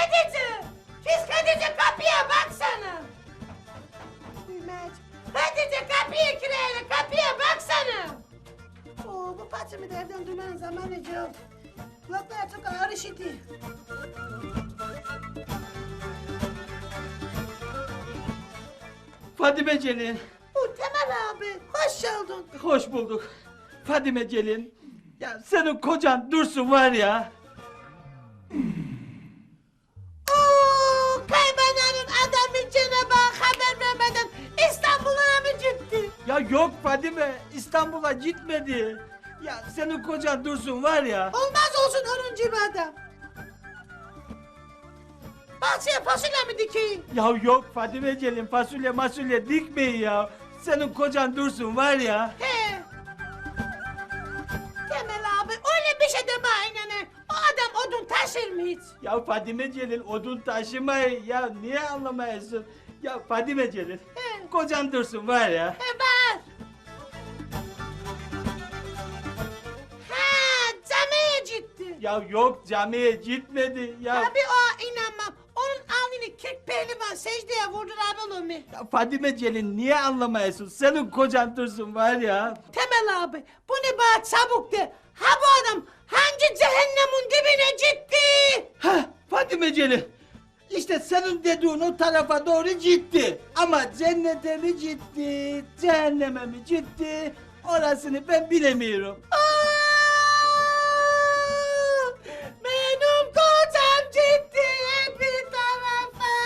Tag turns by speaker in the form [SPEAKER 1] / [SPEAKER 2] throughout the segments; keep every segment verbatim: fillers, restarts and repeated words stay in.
[SPEAKER 1] Hatice! Pis Hatice kapıya baksana! Hatice kapıyı kireyle kapıya baksana!
[SPEAKER 2] Oo, bu Fatih'i de evden duymanın zamanı yok. Kulaklar çok ağır işiti.
[SPEAKER 3] Fadime Celil.
[SPEAKER 2] Bu Temel abi, hoş geldin.
[SPEAKER 3] Hoş bulduk. Fadime Celil. Ya senin kocan Dursun var ya.
[SPEAKER 2] Oo, kaybananın adamı Cenab-ı Hak haber vermeden İstanbul'a mı gitti?
[SPEAKER 3] Ya yok Fadime, İstanbul'a gitmedi. Ya senin kocan Dursun var ya.
[SPEAKER 2] Olmaz olsun onun gibi adam. Bahçeye fasulye mi dikeyim?
[SPEAKER 3] Ya yok Fadime Celil, fasulye masulye dikmeyin ya. Senin kocan Dursun var ya.
[SPEAKER 2] He. Temel abi öyle bir şey deme aynen. O adam odun taşır mı hiç?
[SPEAKER 3] Ya Fadime Celil odun taşımayı ya niye anlamayasın? Ya Fadime Celil,
[SPEAKER 2] He.
[SPEAKER 3] kocan Dursun var ya.
[SPEAKER 2] He var. Ha camiye gitti.
[SPEAKER 3] Ya yok camiye gitmedi ya.
[SPEAKER 2] Tabii o inanmam. Onun alnını kırk pehlivan secdeye vurdular oğlum.
[SPEAKER 3] Ya Fadime Celil niye anlamayasın? Senin kocan Dursun var ya.
[SPEAKER 2] Temel abi bu ne bana çabuk de. Ha bu adam hangi cehennemin dibine gitti?
[SPEAKER 3] Ha Fadime Celil. İşte senin dediğin o tarafa doğru gitti. Ama cennete mi gitti, cehenneme mi gitti? Orasını ben bilemiyorum.
[SPEAKER 2] Aa! Benim kocam gitti bir tarafa.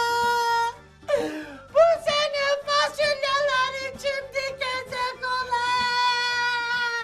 [SPEAKER 2] Bu sene fasulyeleri kim dikecek olan?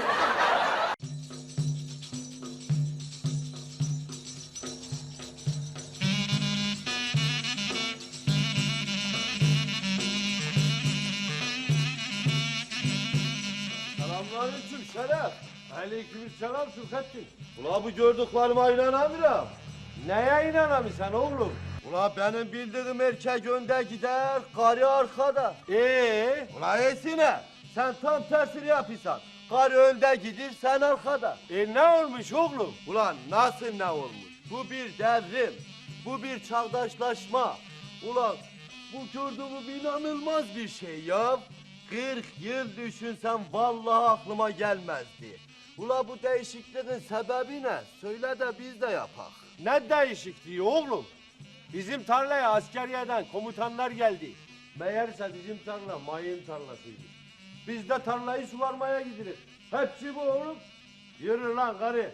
[SPEAKER 4] Selamünaleyküm Şeref. Aleykümselam Sulhattin. Ula bu gördüklerime inanamıyorum. Neye inanamıyorsun oğlum? Ula benim bildiğim erkek önde gider, karı arkada. Ee? Ula esine. Sen tam tersini yapıyorsun. Karı önde gider, sen arkada. E ne olmuş oğlum? Ulan nasıl ne olmuş? Bu bir devrim. Bu bir çağdaşlaşma. Ulan bu gördüğüm inanılmaz bir şey ya. kırk yıl düşünsem vallahi aklıma gelmezdi. Ula bu değişikliğin sebebi ne? Söyle de biz de yapak.
[SPEAKER 5] Ne değişikliği oğlum? Bizim tarlaya askeriyeden komutanlar geldi. Meğerse bizim tarla mayın tarlasıydı. Biz de tarlayı suvarmaya gideriz. Hepsi bu oğlum. Yürü lan karı.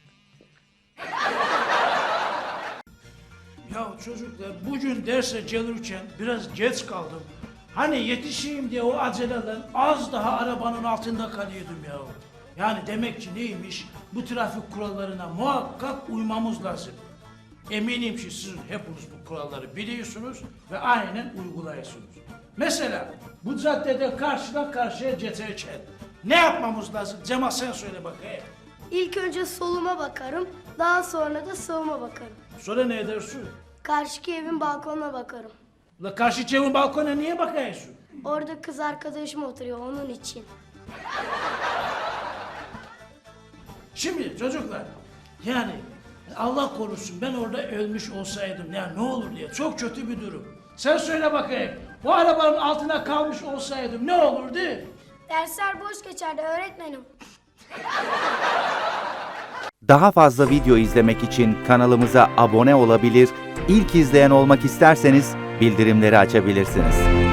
[SPEAKER 6] Ya çocuklar bugün derse gelirken biraz geç kaldım. Hani yetişeyim diye o aceleden az daha arabanın altında kalıyordum ya. Yani demek ki neymiş? Bu trafik kurallarına muhakkak uymamız lazım. Eminim ki siz hepiniz bu kuralları biliyorsunuz ve aynen uyguluyorsunuz. Mesela bu caddede karşıdan karşıya geçerken ne yapmamız lazım? Cemal sen söyle bakayım.
[SPEAKER 7] İlk önce soluma bakarım, daha sonra da sağıma bakarım.
[SPEAKER 6] Sonra ne edersin?
[SPEAKER 7] Karşıki evin balkonuna bakarım.
[SPEAKER 6] La karşı evin balkona niye bakıyorsun?
[SPEAKER 7] Orada kız arkadaşım oturuyor onun için.
[SPEAKER 6] Şimdi çocuklar, yani Allah korusun ben orada ölmüş olsaydım ya ne olur diye çok kötü bir durum. Sen söyle bakayım, bu arabanın altına kalmış olsaydım ne olurdu?
[SPEAKER 7] Dersler boş geçerdi öğretmenim.
[SPEAKER 8] Daha fazla video izlemek için kanalımıza abone olabilir, ilk izleyen olmak isterseniz bildirimleri açabilirsiniz.